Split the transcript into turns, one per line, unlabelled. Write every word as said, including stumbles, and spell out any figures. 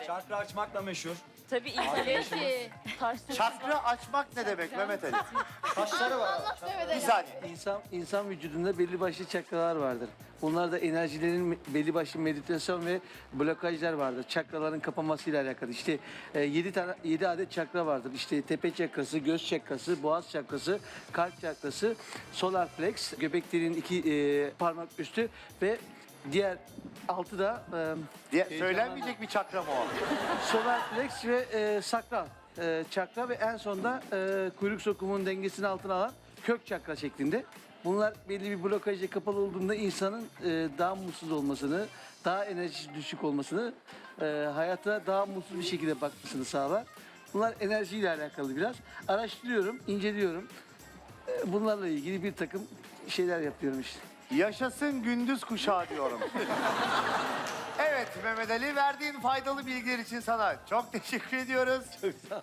Çakra açmakla meşhur.
Tabii İtalya taş
Çakra açmak ne demek Mehmet Ali?
Taşları var.
Bir saniye.
İnsan, insan vücudunda belli başlı çakralar vardır. Bunlar da enerjilerin belli başlı meditasyon ve blokajlar vardır. Çakraların kapanmasıyla alakalı. İşte e, yedi tane yedi adet çakra vardır. İşte tepe çakrası, göz çakrası, boğaz çakrası, kalp çakrası, solar plex, göbek deliğinin iki e, parmak üstü ve diğer altı da e,
Diye, söylenmeyecek bir çakra mı o?
solar plex ve e, sakral e, çakra ve en sonda e, kuyruk sokumunun dengesini altına alan kök çakra şeklinde. Bunlar belli bir blokajla kapalı olduğunda insanın e, daha mutsuz olmasını, daha enerjisi düşük olmasını, e, hayata daha mutsuz bir şekilde bakmasını sağlar. Bunlar enerjiyle alakalı biraz. Araştırıyorum, inceliyorum. E, bunlarla ilgili bir takım şeyler yapıyorum işte.
Yaşasın gündüz kuşağı diyorum. Evet Mehmet Ali, verdiğin faydalı bilgiler için sana çok teşekkür ediyoruz.